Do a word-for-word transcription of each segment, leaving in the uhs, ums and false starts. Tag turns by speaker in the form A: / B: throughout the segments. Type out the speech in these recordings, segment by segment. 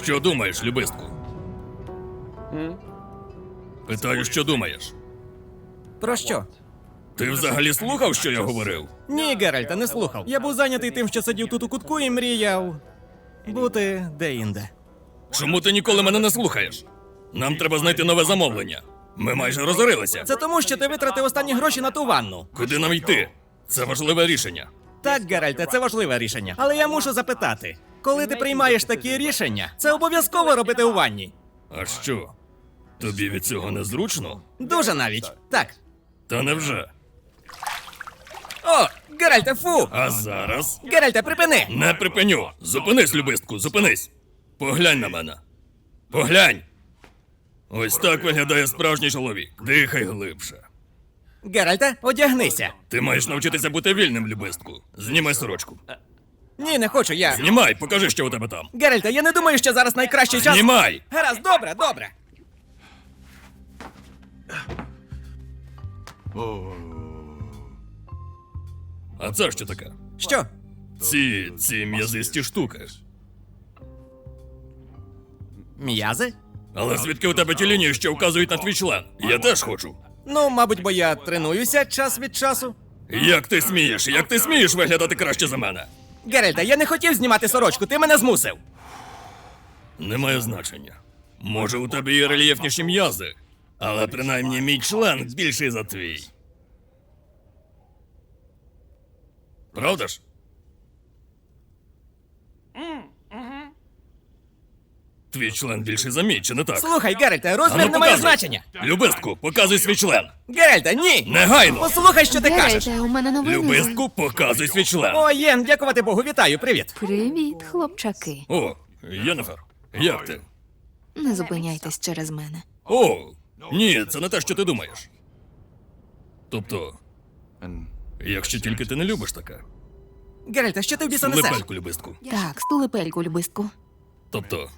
A: Що думаєш, любистку? Питаю, що думаєш?
B: Про що?
A: Ти взагалі слухав, що я говорив?
B: Ні, Геральта, не слухав. Я був зайнятий тим, що сидів тут у кутку і мріяв бути де-інде.
A: Чому ти ніколи мене не слухаєш? Нам треба знайти нове замовлення. Ми майже розорилися.
B: Це тому, що ти витратив останні гроші на ту ванну.
A: Куди нам йти? Це важливе рішення.
B: Так, Геральте, це важливе рішення. Але я мушу запитати, коли ти приймаєш такі рішення, це обов'язково робити у ванні?
A: А що? Тобі від цього незручно?
B: Дуже навіть. Так.
A: Та невже?
B: О, Геральте, фу!
A: А зараз?
B: Геральте, припини!
A: Не припиню! Зупинись, любистку, зупинись! Поглянь на мене. Поглянь! Ось так виглядає справжній чоловік. Дихай глибше.
B: Геральте, одягнися.
A: Ти маєш навчитися бути вільним, любистку. Знімай сорочку.
B: Ні, не хочу, я...
A: Знімай, покажи, що у тебе там.
B: Геральте, я не думаю, що зараз найкращий час...
A: Знімай!
B: Гаразд, добре, добре.
A: А це що таке?
B: Що?
A: Ці, ці м'язисті штуки.
B: М'язи?
A: Але звідки у тебе ті лінії, що вказують на твій член? Я теж хочу.
B: Ну, мабуть, бо я тренуюся час від часу.
A: Як ти смієш? Як ти смієш виглядати краще за мене?
B: Геральте, я не хотів знімати сорочку, ти мене змусив.
A: Немає значення. Може, у тебе є рельєфніші м'язи, але принаймні мій член більший за твій. Правда ж? Твій член більший за мій, чи не так?
B: Слухай, Геральте,
A: А
B: розмір
A: ну,
B: не має
A: показуй.
B: значення.
A: Любистку, показуй свій член.
B: Геральте, ні!
A: Негайно!
B: Послухай, що ти кажеш.
C: Геральте, у мене новини.
A: Любистку, показуй свій член.
B: О, Єн, дякувати Богу, вітаю, привіт.
C: Привіт, хлопчаки.
A: О, Єнефер, як ти?
C: Не зупиняйтесь через мене.
A: О, ні, це не те, що ти думаєш. Тобто, якщо тільки ти не любиш таке.
B: Геральте, що ти в біса несеш?
A: Лепельку, любистку.
C: Так, стулепельку, любистку.
A: Тобто,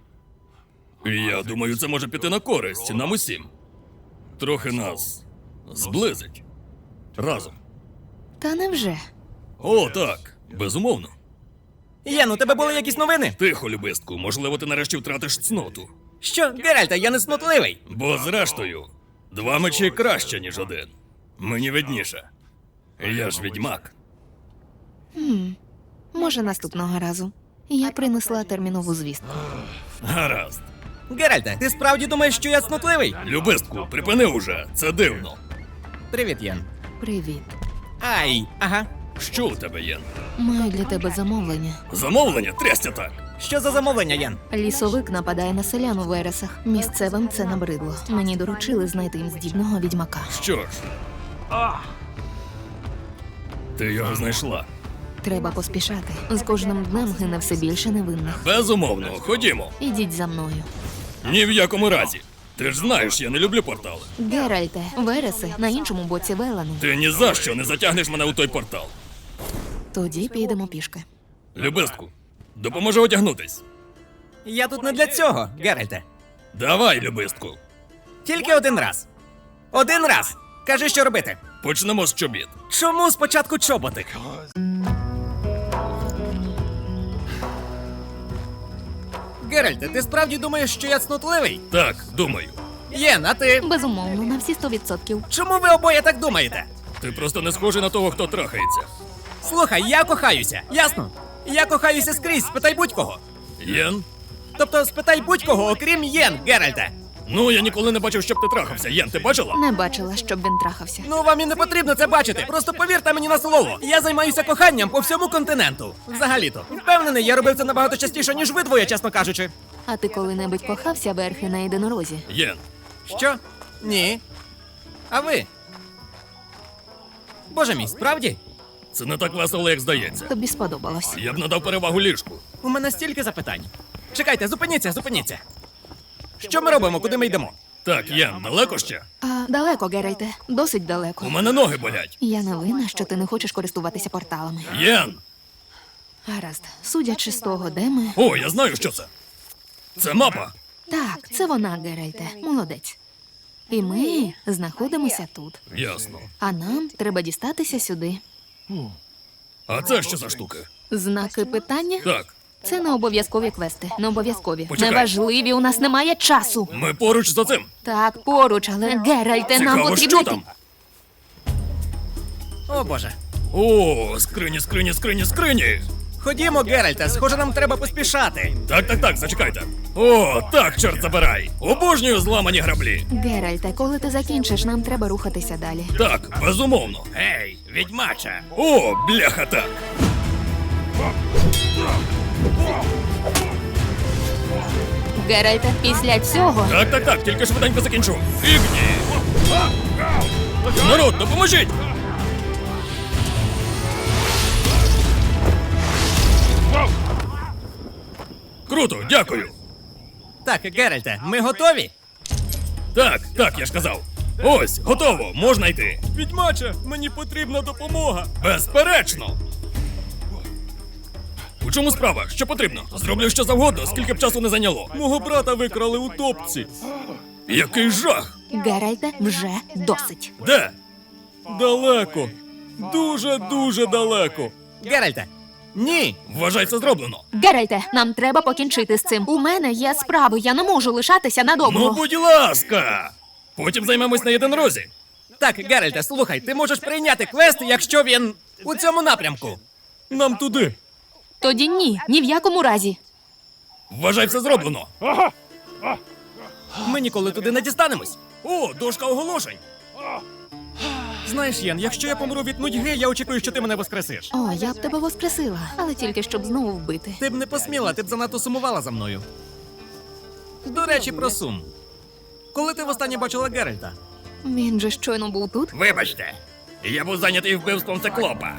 A: я думаю, це може піти на користь нам усім. Трохи нас зблизить. Разом.
C: Та невже?
A: О, так, безумовно.
B: Єн, у тебе були якісь новини?
A: Тихо, любистку, можливо, ти нарешті втратиш цноту.
B: Що, Геральте, я не снотливий.
A: Бо зрештою, два мечі краще, ніж один. Мені видніше. Я ж відьмак.
C: Може, наступного разу. Я принесла термінову звістку.
A: Гаразд.
B: Геральте, ти справді думаєш, що я снотливий?
A: Любистку, припини уже, це дивно.
B: Привіт, Єн.
C: Привіт.
B: Ай, ага.
A: Що у тебе є?
C: Маю для тебе замовлення.
A: Замовлення? Трястя так.
B: Що за замовлення, Єн?
C: Лісовик нападає на селян у вересах. Місцевим це набридло. Мені доручили знайти їм здібного відьмака.
A: Що ж? Ти його знайшла.
C: Треба поспішати. З кожним днем гине все більше невинних.
A: Безумовно, ходімо.
C: Ідіть за мною.
A: Ні в якому разі. Ти ж знаєш, я не люблю портали.
C: Геральте, вереси на іншому боці Велану.
A: Ти ні за що не затягнеш мене у той портал.
C: Тоді підемо пішки.
A: Любистку, допоможи одягнутись.
B: Я тут не для цього, Геральте.
A: Давай, любистку.
B: Тільки один раз. Один раз. Кажи, що робити.
A: Почнемо з чобіт.
B: Чому спочатку чоботи? Геральте, ти справді думаєш, що я цнотливий?
A: Так, думаю.
B: Єн, а ти?
C: Безумовно, на всі сто відсотків.
B: Чому ви обоє так думаєте?
A: Ти просто не схожий на того, хто трахається.
B: Слухай, я кохаюся, ясно? Я кохаюся скрізь, спитай будь-кого.
A: Єн?
B: Тобто спитай будь-кого, окрім Єн, Геральте.
A: Ну, я ніколи не бачив, щоб ти трахався. Єн, ти бачила?
C: Не бачила, щоб він трахався.
B: Ну, вам і не потрібно це бачити. Просто повірте мені на слово. Я займаюся коханням по всьому континенту. Взагалі-то. Впевнений, я робив це набагато частіше, ніж ви двоє, чесно кажучи.
C: А ти коли-небудь кохався верхи на єдинорозі?
A: Єн.
B: Що? Ні. А ви? Боже мій, справді?
A: Це не так весело, як здається.
C: Тобі сподобалось.
A: Я б надав перевагу ліжку.
B: У мене стільки запитань. Чекайте, зупиніться, зупиніться. Що ми робимо, куди ми йдемо?
A: Так, Єн, далеко ще?
C: А далеко, Геральте, досить далеко.
A: У мене ноги болять.
C: Я не винна, що ти не хочеш користуватися порталами.
A: Єн!
C: Гаразд, судячи з того, де ми.
A: О, я знаю, що це. Це мапа.
C: Так, це вона, Геральте. Молодець. І ми знаходимося тут.
A: Ясно.
C: А нам треба дістатися сюди.
A: А це що за штуки?
C: Знаки питання?
A: Так,
C: Це не обов'язкові квести. Не обов'язкові.
A: Почекай.
C: Неважливі, у нас немає часу.
A: Ми поруч за цим.
C: Так, поруч, але Геральте, нам
A: Цікаво,
C: потрібно.
A: що
C: йти.
A: там?
B: О боже.
A: О, скрині, скрині, скрині, скрині.
B: Ходімо, Геральте, схоже, нам треба поспішати.
A: Так, так, так, зачекайте. О, так, чорт забирай. Обожнюю зламані граблі.
C: Геральте, коли ти закінчиш, нам треба рухатися далі.
A: Так, безумовно.
B: Гей, відьмача.
A: О, бляха так.
C: Геральте, після цього.
A: Так, так, так, тільки швиденько закінчу. Фігні. Народ, допоможіть! Круто, дякую.
B: Так, Геральте, ми готові?
A: Так, так, я ж казав. Ось, готово, можна йти.
B: Відьмача, мені потрібна допомога.
A: Безперечно. У чому справа? Що потрібно? Зроблю що завгодно, скільки б часу не зайняло.
B: Мого брата викрали у топці.
A: Який жах!
C: Геральте, вже досить.
A: Де?
B: Далеко. Дуже-дуже далеко. Геральте, ні.
A: Вважай, це зроблено.
C: Геральте, нам треба покінчити з цим. У мене є справи, я не можу лишатися надовго.
A: Ну, будь ласка! Потім займемось на єдинорозі.
B: Так, Геральте, слухай, ти можеш прийняти квест, якщо він у цьому напрямку. Нам туди.
C: Тоді ні, ні в якому разі.
A: Вважай, все зроблено.
B: Ми ніколи туди не дістанемось. О, дошка оголошень. Знаєш, Єн, якщо я помру від нудьги, я очікую, що ти мене воскресиш.
C: О, я б тебе воскресила, але тільки щоб знову вбити.
B: Ти б не посміла, ти б занадто сумувала за мною. До речі, про сум. Коли ти востаннє бачила Геральта?
C: Він же щойно був тут.
A: Вибачте, я був зайнятий вбивством циклопа.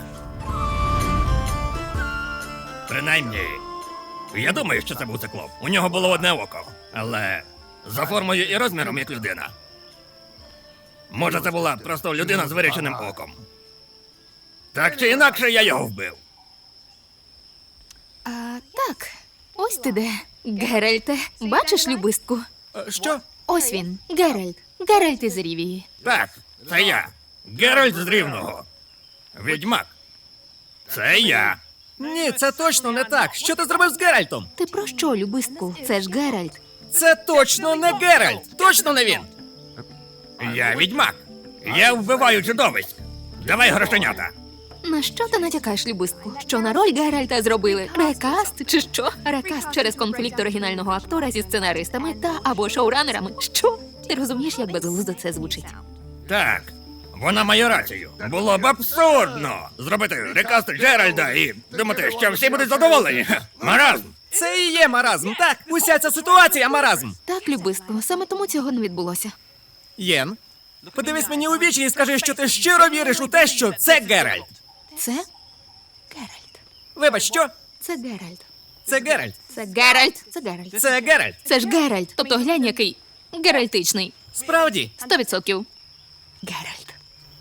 A: Принаймні, я думаю, що це був циклоп. У нього було одне око, але за формою і розміром як людина. Може, це була просто людина з виріченим оком. Так чи інакше, я його вбив.
C: А, так, ось ти де. Геральте, бачиш любистку?
B: Е, Що?
C: Ось він, Геральт. Геральт із Рівії.
A: Так, це я. Геральт з Рівного. Відьмак. Це я.
B: Ні, це точно не так. Що ти зробив з Геральтом?
C: Ти про що, любистку? Це ж Геральт.
B: Це точно не Геральт! Точно не він!
A: Я відьмак. Я вбиваю чудовиськ. Давай грошенята.
C: На що ти натякаєш, любистку? Що на роль Геральта зробили? Рекаст чи що? Рекаст через конфлікт оригінального актора зі сценаристами та або шоуранерами. Що? Ти розумієш, як безглуздо це звучить?
A: Так, вона має рацію. Було б абсурдно зробити рекаст Джеральда і думати, що всі будуть задоволені. Ха, маразм.
B: Це і є маразм, так? Уся ця ситуація маразм.
C: Так, любистку, саме тому цього не відбулося.
B: Єн, подивись мені у вічі і скажи, що ти щиро віриш у те, що це Геральт.
C: Це Геральт.
B: Вибач, що?
C: Це Геральт.
B: Це Геральт.
C: Це Геральт. Це Геральт.
B: Це Геральт.
C: Це ж Геральт. Тобто глянь, який геральтичний.
B: Справді.
C: Сто відсотків. Геральт.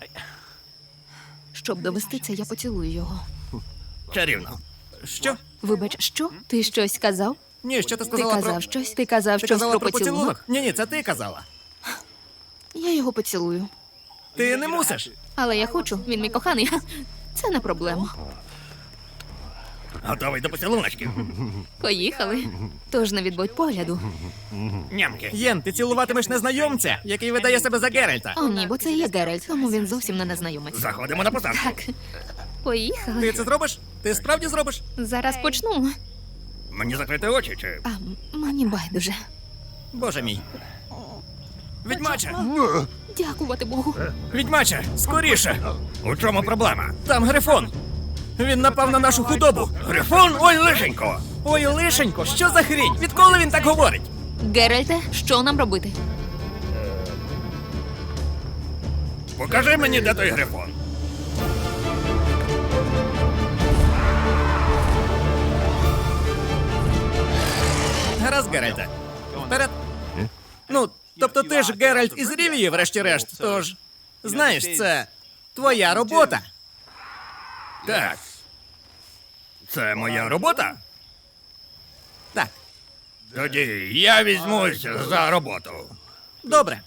C: Щоб довести це, я поцілую його.
A: Чарівно.
B: Що?
C: Вибач, що? Ти щось сказав?
B: Ні, що ти
C: Ти
B: сказала
C: казав
B: про...
C: щось? Ти казав
B: Ти
C: щось
B: казала
C: про
B: про
C: поцілунок?
B: поцілунок? Ні, ні, це ти казала.
C: Я його поцілую.
B: Ти не мусиш.
C: Але я хочу, він мій коханий. Ха, це не проблема.
A: Готовий до поцілуночків.
C: Поїхали. Тож не відбудь погляду.
A: Нямки.
B: Єн, ти цілуватимеш незнайомця, який видає себе за Геральта.
C: О, ні, бо це є Геральт, тому він зовсім не незнайомець.
A: Заходимо на посадку.
C: Так. Поїхали.
B: Ти це зробиш? Ти справді зробиш?
C: Зараз почну.
A: Мені закрити очі чи.
C: А м- мені байдуже.
B: Боже мій. Відьмача!
C: Дякувати Богу.
B: Відьмача! Скоріше!
A: У чому проблема?
B: Там Грифон! Він напав на нашу худобу!
A: Грифон, ой, лишенько!
B: Ой, лишенько, що за хрінь? Відколи він так говорить?
C: Геральте, що нам робити?
A: Покажи мені, де той грифон.
B: Гаразд, Геральте. Вперед. Ну, тобто ти ж Геральт із Рівії, врешті-решт, тож... Знаєш, це твоя робота.
A: Так. Це моя робота?
B: Так,
A: Тоді я візьмусь за роботу.
B: добре.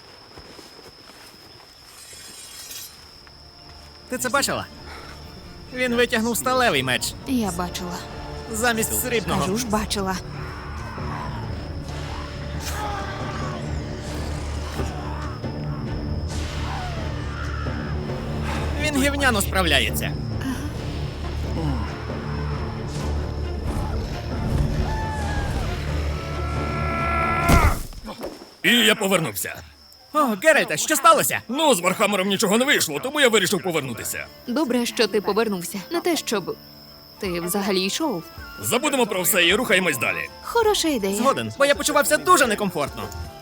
B: Ти це бачила? Він витягнув сталевий меч
C: Я бачила.
B: замість срібного.
C: Кажу ж, бачила.
B: Він гівняно справляється.
A: І я повернувся.
B: О, Геральте, що сталося?
A: Ну, з Вархаммером нічого не вийшло, тому я вирішив повернутися.
C: Добре, що ти повернувся. Не те, щоб ти взагалі йшов.
A: Забудемо про все і рухаємось далі.
C: Хороша ідея.
B: Згоден, бо я почувався дуже некомфортно.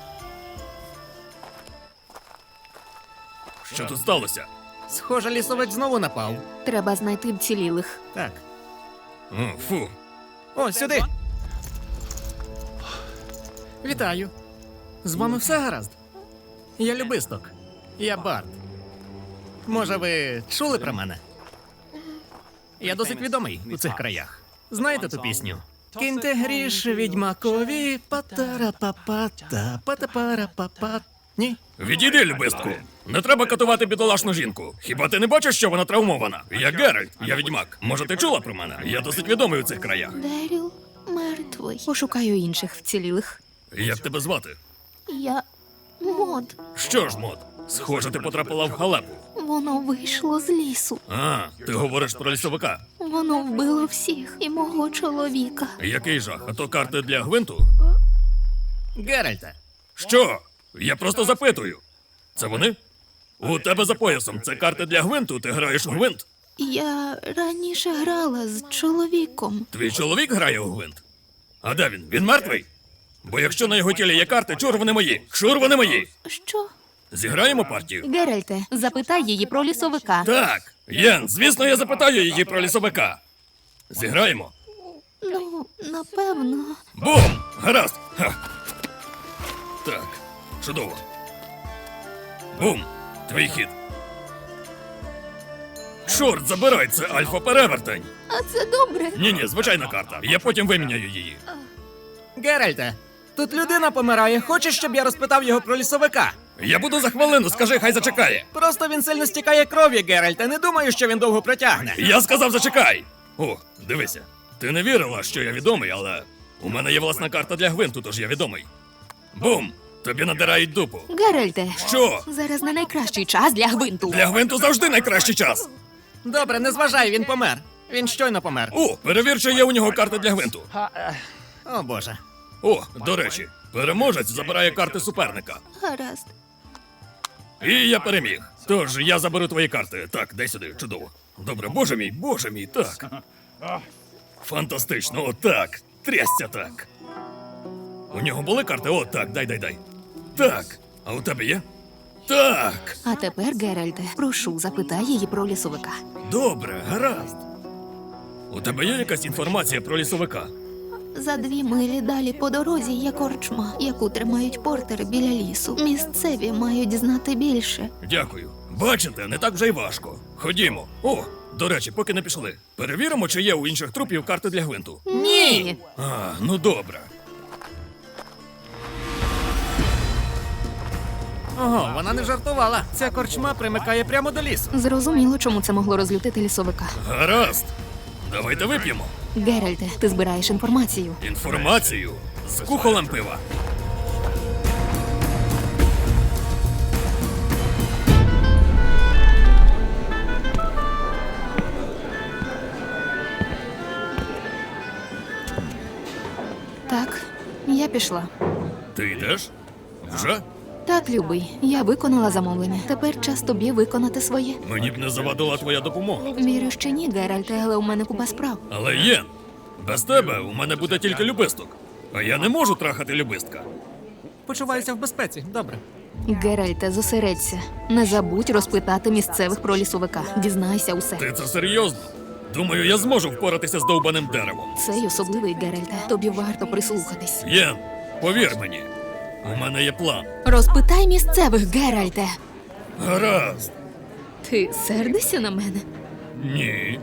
A: Що тут сталося?
B: Схоже, лісовик знову напав.
C: Треба знайти вцілілих.
B: Так.
A: О, фу.
B: О, сюди. Вітаю. З вами все гаразд? Я Любисток. Я Барт. Може, ви чули про мене? Я досить відомий у цих краях. Знаєте ту пісню? Киньте гріш відьмакові, патара-папата, пата-пара-папа. Ні?
A: Відійди, любистку. Не треба катувати бідолашну жінку. Хіба ти не бачиш, що вона травмована? Я Геральт, я відьмак. Може, ти чула про мене? Я досить відомий у цих краях.
C: Деріл мертвий. Пошукаю інших вцілілих.
A: Як тебе звати?
C: Я мод.
A: Що ж, мод? Схоже, ти потрапила в халепу.
C: Воно вийшло з лісу.
A: А, ти говориш про лісовика.
C: Воно вбило всіх і мого чоловіка.
A: Який жах? А то карти для гвинту?
B: Геральте.
A: Що? Я просто запитую. Це вони? У тебе за поясом це карти для гвинту, ти граєш у гвинт?
C: Я раніше грала з чоловіком.
A: Твій чоловік грає у гвинт? А де він? Він мертвий? Бо якщо на його тілі є карти, чур вони мої. Шур вони мої.
C: Що?
A: Зіграємо партію?
C: Геральте, запитай її про лісовика.
A: Так, Єн, звісно, я запитаю її про лісовика. Зіграємо?
C: Ну, напевно.
A: Бум! Гаразд! Ха. Так, чудово. Бум! Твій хід. Чорт, забирай, це альфа-перевертень.
C: А це добре.
A: Ні-ні, звичайна карта. Я потім виміняю її.
B: Геральте, тут людина помирає. Хочеш, щоб я розпитав його про лісовика?
A: Я буду за хвилину, скажи, хай зачекає.
B: Просто він сильно стікає кров'ю, Геральте. Не думаю, що він довго протягне.
A: Я сказав, зачекай. О, дивися. Ти не вірила, що я відомий, але у мене є власна карта для гвинту, тож я відомий. Бум! Тобі надирають дупу.
C: Геральте.
A: Що?
C: Зараз не найкращий час для гвинту.
A: Для гвинту завжди найкращий час.
B: Добре, не зважай, він помер. Він щойно помер.
A: О, перевір, чи є у нього карта для гвинту.
B: О, Боже.
A: О, до речі, переможець забирає карти суперника.
C: Гаразд.
A: І я переміг. Тож я заберу твої карти. Так, дай сюди, чудово. Добре, боже мій, боже мій, так. Фантастично, отак. Трясся так. У нього були карти? О, так, дай, дай, дай. Так. А у тебе є? Так.
C: А тепер, Геральте, прошу, запитай її про лісовика.
A: Добре, гаразд. У тебе є якась інформація про лісовика?
C: За дві милі далі по дорозі є корчма, яку тримають портери біля лісу. Місцеві мають знати більше.
A: Дякую. Бачите, не так вже й важко. Ходімо. О, до речі, поки не пішли. Перевіримо, чи є у інших трупів карти для гвинту.
C: Ні.
A: А, ну добре.
B: Ого, вона не жартувала. Ця корчма примикає прямо до лісу.
C: Зрозуміло, чому це могло розлютити лісовика.
A: Гаразд. Давайте вип'ємо.
C: Геральте, ти збираєш інформацію.
A: Інформацію з кухолем пива.
C: Так, я пішла.
A: Ти йдеш? Вже?
C: Так, любий, я виконала замовлення. Тепер час тобі виконати своє.
A: Мені б не завадила твоя допомога.
C: Вірю, що ні, Геральте, але у мене купа справ.
A: Але Єн, без тебе у мене буде тільки любисток. А я не можу трахати любистка.
B: Почуваюся в безпеці. Добре.
C: Геральте, зосередься. Не забудь розпитати місцевих про лісовика. Дізнайся усе.
A: Ти це серйозно? Думаю, я зможу впоратися з довбаним деревом.
C: Цей особливий, Геральте. Тобі варто прислухатись.
A: Єн, повір мені, у мене є план.
C: Розпитай місцевих, Геральте.
A: Гаразд.
C: Ти сердишся на мене?
A: Ні.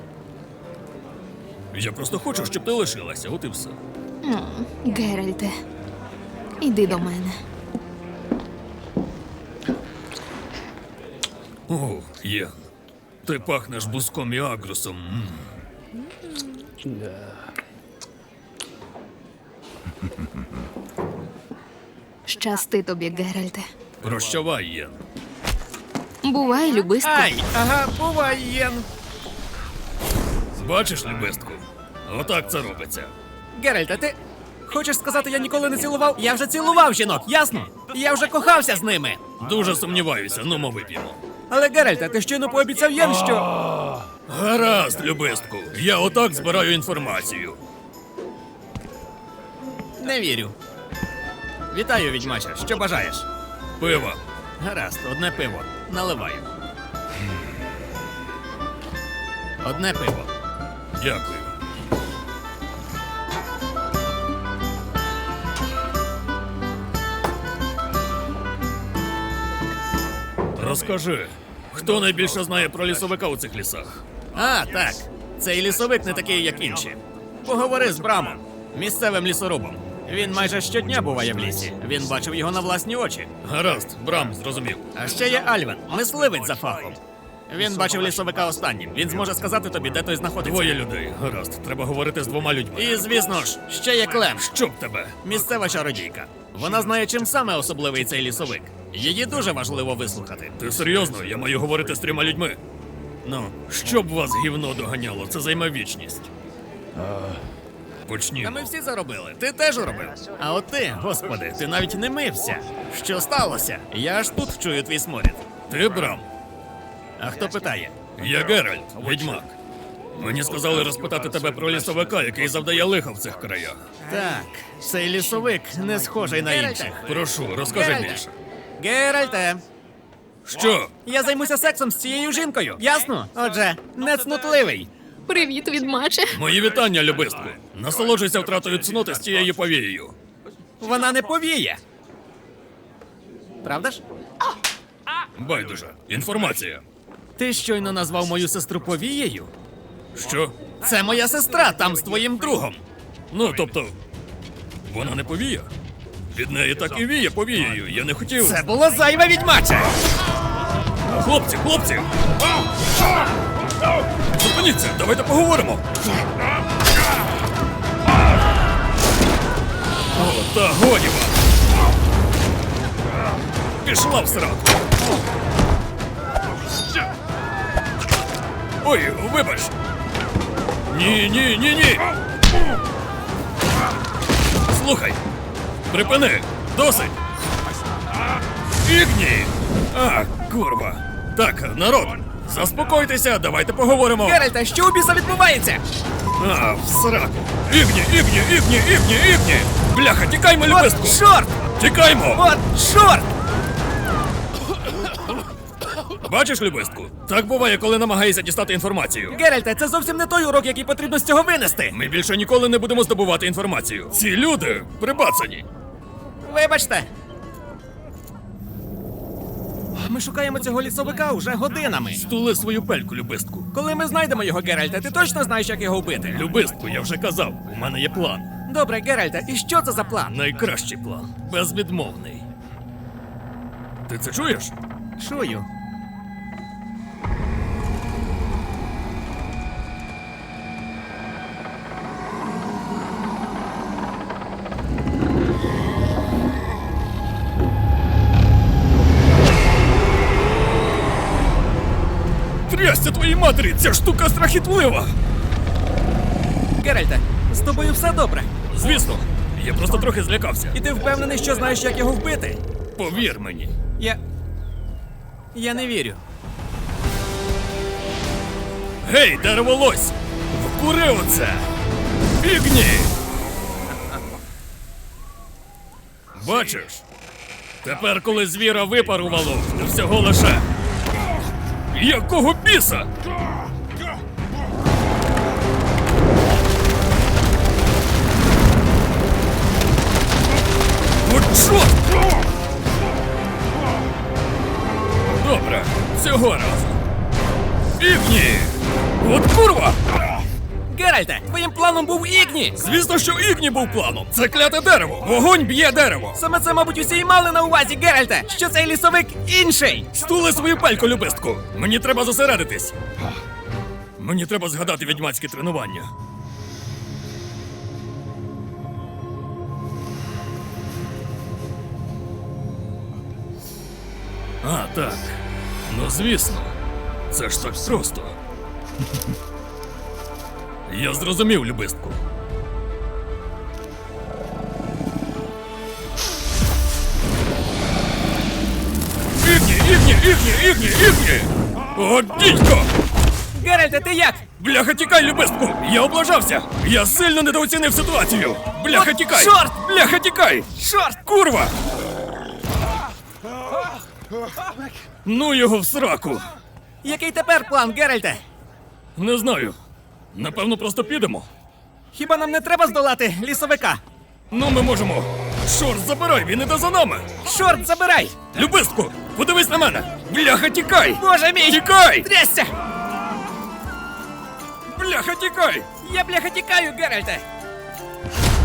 A: Я просто хочу, щоб ти лишилася, от і все.
C: М, Геральте, іди до мене.
A: О, Єн. Ти пахнеш буском і агрусом. М.
C: Щасти тобі, Геральте.
A: Прощавай, Єн.
C: Бувай, любистку.
B: Ай, ага, бувай, Єн.
A: Бачиш, любистку? Отак це робиться.
B: Геральте, ти хочеш сказати, я ніколи не цілував? Я вже цілував жінок, ясно? Я вже кохався з ними.
A: Дуже сумніваюся, ну ми вип'ємо.
B: Але Геральте, ти щойно пообіцяв Єн, що.
A: Гаразд, любистку. Я отак збираю інформацію.
B: Не вірю. Вітаю, відьмаче. Що бажаєш?
A: Пиво.
B: Гаразд, одне пиво. Наливаю. Одне пиво.
A: Дякую. Розкажи, хто найбільше знає про лісовика у цих лісах?
B: А, так. Цей лісовик не такий, як інші. Поговори з Брамом, місцевим лісорубом. Він майже щодня буває в лісі. Він бачив його на власні очі.
A: Гаразд, Брам, зрозумів.
B: А ще є Альвен, мисливець за фахом. Він бачив лісовика останнім. Він зможе сказати тобі, де той знаходиться.
A: Двоє людей. Гаразд, треба говорити з двома людьми.
B: І, звісно ж, ще є Клем,
A: Щоб тебе.
B: місцева чародійка. Вона знає, чим саме особливий цей лісовик. Її дуже важливо вислухати.
A: Ти серйозно? Я маю говорити з трьома людьми.
B: Ну,
A: Щоб вас гівно доганяло, це займе вічність.
B: та
A: Почнімо.
B: ми всі заробили. Ти теж робив. А от ти, господи, ти навіть не мився. Що сталося? Я аж тут чую твій сморід.
A: Ти, Брам?
B: А хто питає?
A: Я Геральт, відьмак. Мені сказали розпитати тебе про лісовика, який завдає лиха в цих краях.
B: Так, цей лісовик не схожий на інших.
A: Прошу, розкажи
B: Геральте.
A: більше.
B: Геральте,
A: Що?
B: я займуся сексом з цією жінкою. Ясно? Отже, не цнутливий.
C: Привіт, відьмаче.
A: Мої вітання, любистку. Насолоджуйся втратою цноти з цією повією.
B: Вона не повіє. Правда ж?
A: Байдуже. Інформація.
B: Ти щойно назвав мою сестру повією?
A: Що?
B: Це моя сестра там з твоїм другом.
A: Ну, тобто, вона не повія? Від неї так і віє повією. Я не хотів.
B: Це було зайве, відьмаче!
A: Хлопці, хлопці! Зупиніться, давайте поговоримо. О, та годі вам! Пішла в сраку! Ой, вибач! Ні, ні, ні, ні! Слухай! Припини! Досить! Ігні! А, курва! Так, народ, заспокойтеся, давайте поговоримо.
B: Геральте, що у біса відбувається?
A: А, в сраку! Ігні, ігні, ігні, ігні, ігні! Бляха, тікаймо, любистку!
B: От чорт!
A: Тікаймо!
B: От чорт!
A: Бачиш, любистку? Так буває, коли намагаєшся дістати інформацію.
B: Геральте, це зовсім не той урок, який потрібно з цього винести.
A: Ми більше ніколи не будемо здобувати інформацію. Ці люди прибацані.
B: Вибачте. Ми шукаємо цього лісовика уже годинами.
A: Стули свою пельку, любистку.
B: Коли ми знайдемо його, Геральте, ти точно знаєш, як його вбити?
A: Любистку, я вже казав, у мене є план.
B: Добре, Геральте, і що це за план?
A: Найкращий план. Безвідмовний. Ти це чуєш?
B: Чую.
A: Трясся твоїй матері, ця штука страхітлива!
B: Геральте, з тобою все добре.
A: Звісно, я просто трохи злякався.
B: І ти впевнений, що знаєш, як його вбити?
A: Повір мені.
B: Я. Я не вірю.
A: Гей, дереволось! Вкури оце! Бігні! Бачиш? Тепер, коли звіра випарувало, не всього лише. Якого біса? От чорт! Добре, цього разу. Бігні! От курва!
B: Геральте! Геральте! Твоїм планом був Ігні!
A: Звісно, що Ігні був планом. Це кляте дерево. Вогонь б'є дерево.
B: Саме це, мабуть, усі й мали на увазі, Геральте! Що цей лісовик інший!
A: Стули свою пельку, любистку. Мені треба зосередитись. Мені треба згадати відьмацьке тренування. А, так. Ну, звісно. Це ж так просто. Я зрозумів, любистку. Ігні, ігні, ігні, ігні, ігні! О, дідько!
B: Геральте, ти як?
A: Бляха, тікай, любистку! Я облажався! Я сильно недооцінив ситуацію! Бляха,
B: От
A: тікай!
B: чорт!
A: Бляха, тікай!
B: Чорт!
A: Курва! Ну його в сраку!
B: Який тепер план, Геральте?
A: Не знаю. Напевно, просто підемо.
B: Хіба нам не треба здолати лісовика?
A: Ну, ми можемо. Шорт, забирай, він іде за нами!
B: Чорт, забирай!
A: Любистку, подивись на мене! Бляха, тікай!
B: Боже мій!
A: Тікай!
B: Трясся!
A: Бляха, тікай!
B: Я бляха тікаю, Геральте!